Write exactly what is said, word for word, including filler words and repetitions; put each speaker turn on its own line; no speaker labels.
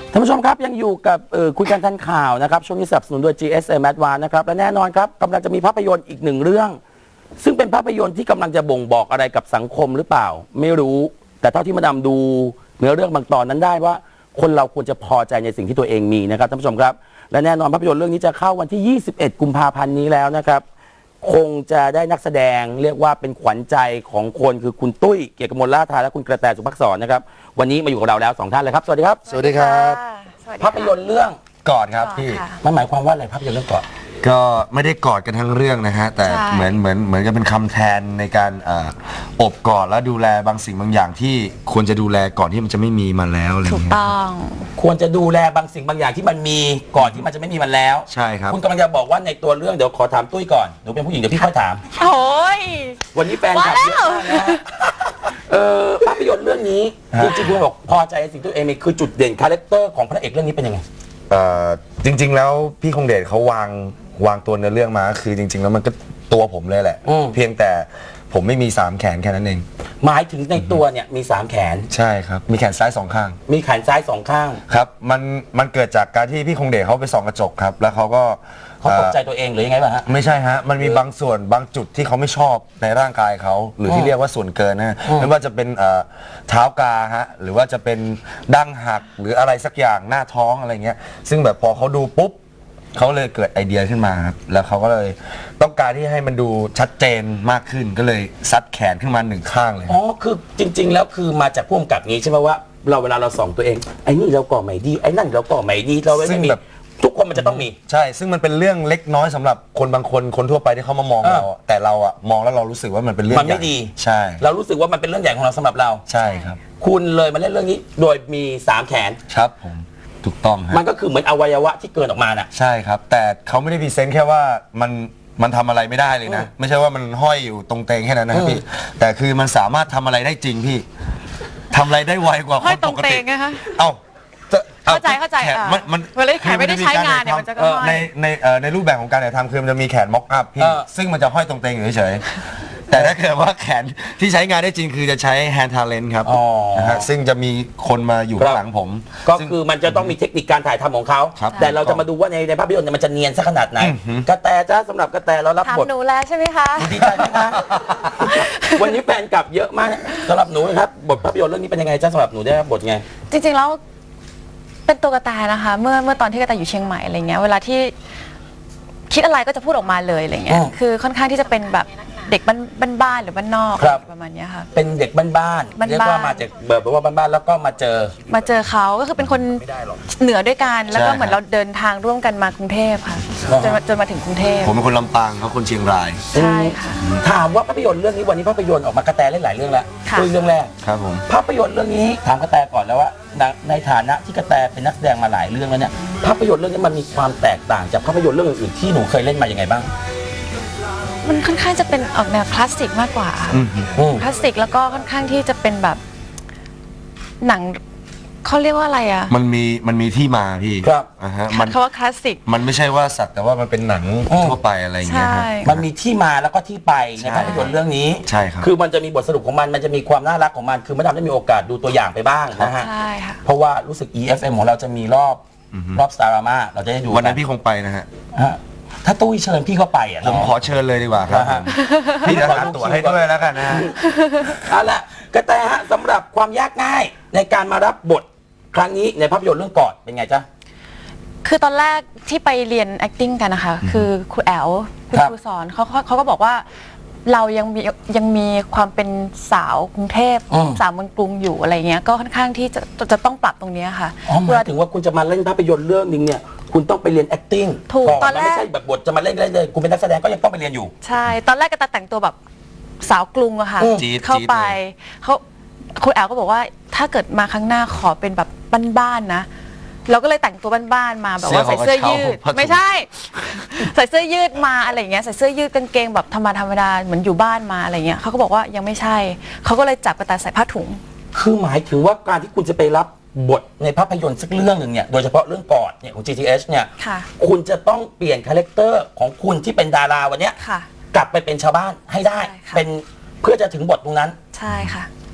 ท่านผู้ชมครับยังอยู่กับคุยกันทันข่าวนะครับช่วงนี้สนับสนุนโดย จี เอส เอ็ม Advance นะครับและแน่นอนครับกำลังจะมีภาพยนตร์อีกหนึ่งเรื่องซึ่งเป็นภาพยนตร์ที่กำลังจะบ่งบอกอะไรกับสังคมหรือเปล่าไม่รู้แต่เท่าที่มาดามดูเนื้อเรื่องบางตอนนั้นได้ว่าคนเราควรจะพอใจในสิ่งที่ตัวเองมีนะครับท่านผู้ชมครับและแน่นอนภาพยนตร์เรื่องนี้จะเข้าวันที่ยี่สิบเอ็ดกุมภาพันธ์นี้แล้วนะครับคงจะได้นักแสดงเรียกว่าเป็นขวัญใจของคนคือคุณตุ้ยเกียรติกมลล่าทาและคุณกระแตสุภักษรนะครับวันนี้มาอยู่กับเราแล้วสองท่านเลยครับสวัสดีครับ
สวัสดีครับ
ภาพยนตร์เรื่อง
กอดครับพี่
มันหมายความว่าอะไรภาพยนตร์เรื่องกอด
ก็ไม่ได้กอดกันทั้งเรื่องนะฮะแต่เหมือนเหมือนเหมือนกับเป็นคำแทนในการอ่าอบกอดและดูแลบางสิ่งบางอย่างที่ควรจะดูแลก่อนที่มันจะไม่มีมันแล้วอะไรเงี้ย
ถูกต้อง
ควรจะดูแลบางสิ่งบางอย่างที่มันมีก่อนที่มันจะไม่มีมันแล้ว
ใช่ครับ
คุณกำลังจะบอกว่าในตัวเรื่องเดี๋ยวขอถามตุ้ยก่อนหนูเป็นผู้หญิงเดี๋ยวพี่ค่อยถาม
โอ้ย
วันนี้แฟนคลับเยอะมากนะฮะเออภาพยนตร์เรื่องนี้จริงๆคุณบอกพอใจสิ่งที่ตัวเองมีคือจุดเด่นคาแรคเตอร์ของพระเอกเรื่องนี้เป็นยังไง
เอ่อจริงๆแล้วพี่คงเดชเขาวางวางตัวเนื้อเรื่องมาคือจริงๆแล้วมันก็ตัวผมเลยแหละเพียงแต่ผมไม่มีสามแขนแค่นั้นเอง
หมายถึงในตัวเนี่ยมีสามแขน
ใช่ครับมีแขนซ้ายสองข้าง
มีแขนซ้ายสองข้าง
ครับมันมันเกิดจากการที่พี่คงเดชเขาไปส่องกระจกครับแล้วเขาก็
เขาตกใจตัวเองหรือยังไงบ้างฮะ
ไม่ใช่ฮะมันมีบางส่วนบางจุดที่เขาไม่ชอบในร่างกายเขาหรือที่เรียกว่าส่วนเกินนะไม่ว่าจะเป็นเท้ากาฮะหรือว่าจะเป็นดั้งหักหรืออะไรสักอย่างหน้าท้องอะไรเงี้ยซึ่งแบบพอเขาดูปุ๊บเขาเลยเกิดไอเดียขึ้นมาครับแล้วเขาก็เลยต้องการที่ให้มันดูชัดเจนมากขึ้นก็เลยซัดแขนขึ้นมาหนึ่งข้างเลย
อ๋อคือจริงๆแล้วคือมาจากผู้กำกับนี้ใช่ไหมว่าเราเวลาเราส่องตัวเองไอ้นี่เราก่อไม่ดีไอ้นั่นเราก่อไม่ดีเราไม่มีทุกคนมันจะต้องมี
ใช่ซึ่งมันเป็นเรื่องเล็กน้อยสำหรับคนบางคนคนทั่วไปที่เขามามองเราแต่เราอะมองแล้วเรารู้สึกว่ามันเป็นเรื่อง
มันไม่ดี
ใช่
เรารู้สึกว่ามันเป็นเรื่องใหญ่ของเราสำหรับเรา
ใช่ครับ
คุณเลยมาเล่นเรื่องนี้โดยมีสามแขน
ครับผมถูกต้องครับ
มันก็คือเหมือนอวัยวะที่เกินออกมาน่ะ
ใช่ครับแต่เขาไม่ได้พรีเซนต์แค่ว่ามันมันทำอะไรไม่ได้เลยนะไม่ใช่ว่ามันห้อยอยู่ตรงเตงแค่นั้นนะพี่แต่คือมันสามารถทำอะไรได้จริงพี่ทำอะไรได้ไวกว่าคนปกติเอ้า
เข้าใจเข้าใจ
มันมัน
เวลาแขนไม่ได้ใช้งานเนี่ยมันจะก็
ในในในรูปแบบของการถ่ายทำคือมันจะมีแขนม็อกอัพพี่ซึ่งมันจะห้อยตรงเตงอยู่เฉยแต่ถ้าเกิดว่าแขนที่ใช้งานได้จริงคือจะใช้ hand talent ครับนะฮะซึ่งจะมีคนมาอยู่ข้างหลังผม
ก็คือมันจะต้องมีเทคนิคการถ่ายทำของเขาแต่เราจะมาดูว่าในในภาพยนตร์เนี่ยมันจะเนียนสักขนาดไหนกระแตจ้าสำหรับกระแตเรารับบท
ถามหนูแล้วใช่ไหมคะ
ดีใจไหมคะวันนี้แฟนกลับเยอะมากสำหรับหนูนะครับบทภาพยนตร์เรื่องนี้เป็นยังไงจ้าสำหรับหนูได้บทไง
จริงๆแล้วเป็นตัวกระแตนะคะเมื่อเมื่อตอนที่กระแตอยู่เชียงใหม่อะไรเงี้ยเวลาที่คิดอะไรก็จะพูดออกมาเลยอะไรเงี้ยคือค่อนข้างที่จะเป็นแบบเด็กบ้านๆหรือบ้านนอกประมาณนี้ค่ะ
เป็นเด็กบ้านๆเรียกว่ามาจากแบบว่าบ้านๆแล้วก็มาเจอ
มาเจอเขาก็คือเป็นคนเหนือด้วยกันแล้วก็เหมือนเราเดินทางร่วมกันมากรุงเทพค่ะจนจนมาถึงกรุงเทพ
ผมเป็นคนลำปางเขาคนเชียงราย
ใช่ค่ะ
ถามว่าภาพยนตร์เรื่องนี้วันนี้ภาพยนตร์ออกมากระแตเล่นหลายเรื่องแล้วคือเรื่องแรก
ครับผม
ภาพยนตร์เรื่องนี้ถามกระแตก่อนแล้วว่าในฐานะที่กระแตเป็นนักแสดงมาหลายเรื่องแล้วเนี่ยภาพยนตร์เรื่องนี้มันมีความแตกต่างจากภาพยนตร์เรื่องอื่นๆที่หนูเคยเล่นมายังไงบ้าง
มันค่อนข้างจะเป็นออกแนวคลาสสิกมากกว่าคลาสสิกแล้วก็ค่อนข้างที่จะเป็นแบบหนังเขาเรียกว่าอะไรอ่ะ
มันมีมันมีที่มาพี่
ครับ
อ่าฮะ
มันเขาว่าคลาสสิก
มันไม่ใช่ว่าสักแต่ว่ามันเป็นหนังทั่วไปอะไรอย่างเงี้ยครับ
มันมีที่มาแล้วก็ที่ไปในภาพยนตร์เรื่องนี้
ใช่ครับ
คือมันจะมีบทสรุปของมันมันจะมีความน่ารักของมันคือไม่ทำได้มีโอกาสดูตัวอย่างไปบ้างนะฮะ
ใช่ค่ะ
เพราะว่ารู้สึก อี เอฟ เอ็ม ของเราจะมีรอบรอบสตาร์มาเราจะได้ดู
วันนั้นพี่คงไปนะฮะ
ถ้าตุ้ยเชิญพี่เข้าไปอ่ะ
ผมขอเชิญเลยดีกว่าครับพี่จะหาตั๋วให้ด้วยแล้วกันนะ
เอาละกระแตฮะสำหรับความยากง่ายในการมารับบทครั้งนี้ในภาพยนตร์เรื่องกอดเป็นไงจ๊ะ
คือตอนแรกที่ไปเรียน acting กันนะคะคือครูแอลคุณครูสอนเขาเขาก็บอกว่าเรายังมียังมีความเป็นสาวกรุงเทพสาวเมืองกรุงอยู่อะไรเงี้ยก็ค่อนข้างที่จะจะต้องปรับตรงนี้ค่ะ
อ๋อหมายถึงว่าคุณจะมาเล่นภาพยนตร์เรื่องนึงเนี่ยคุณต้องไปเรียน acting
ถูกตอนแรก
ไม่ใช่แบบบทจะมาเล่นเลยคุณเป็นนักแสดงก็ยังต้องไปเรียนอยู่
ใช่ตอนแรกก็แต่งตัวแบบสาวกรุงอะค่ะเข้าไปเขาครูแอลก็บอกว่าถ้าเกิดมาครั้งหน้าขอเป็นแบบบ้านๆนะเราก็เลยแต่งตัวบ้านๆมาแบบว่าใส่เสื้อยืดไม่ใช่ใส่เสื้อยืดมาอะไรเงี้ยใส่เสื้อยืดกางเกงแบบธรรมดาธรรมดาเหมือนอยู่บ้านมาอะไรเงี้ยเขาก็บอกว่ายังไม่ใช่เขาก็เลยจับกระต่ายใส่ผ้าถุง
คือหมายถึงว่าการที่คุณจะไปรับบทในภาพยนตร์สักเรื่องหนึ่งเนี่ยโดยเฉพาะเรื่องกอดเนี่ยของ จี ที เอช เนี่ยคุณจะต้องเปลี่ยนคาแรคเตอร์ของคุณที่เป็นดาราวันเนี้ยกลับไปเป็นชาวบ้านให้ได้เป็นเพื่อจะถึงบทตรงนั้น
ใช่ค่ะ